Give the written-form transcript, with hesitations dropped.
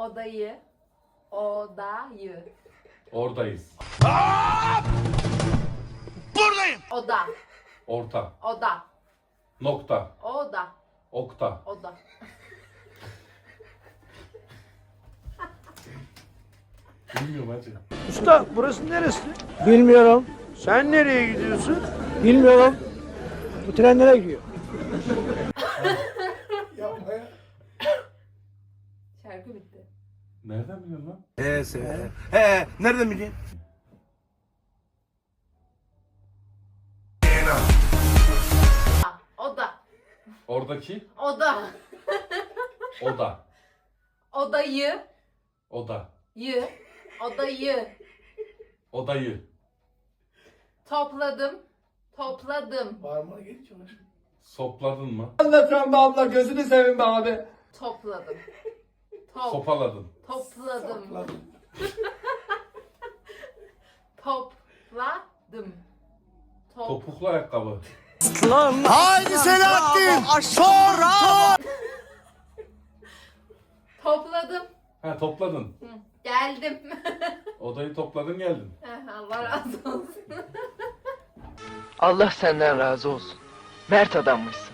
Odayı. Odayı. Oradayız. Buradayım. Oda. Orta. Oda. Nokta. Oda. Okta. Oda. Bilmiyorum hacı. Usta burası neresi? Bilmiyorum. Sen nereye gidiyorsun? Bilmiyorum. Bu tren nereye gidiyor? Şarkı bitti. Nereden biliyorsun lan? Nereden bileyim? Oda. Oradaki Oda. oda. Odayı. Oda. Yı. Odayı. Odayı. Topladım. Topladım. Sopladın mı? Anlatran be abla gözünü seveyim be abi. Topladım. Sopaladın. Topladım. Topladım. Topuklu ayakkabı. Haydi Selahattin. Sonra. Topladım. Ha topladın. Hı, geldim. Odayı topladın geldin. Allah razı olsun. Allah senden razı olsun. Mert adammışsın.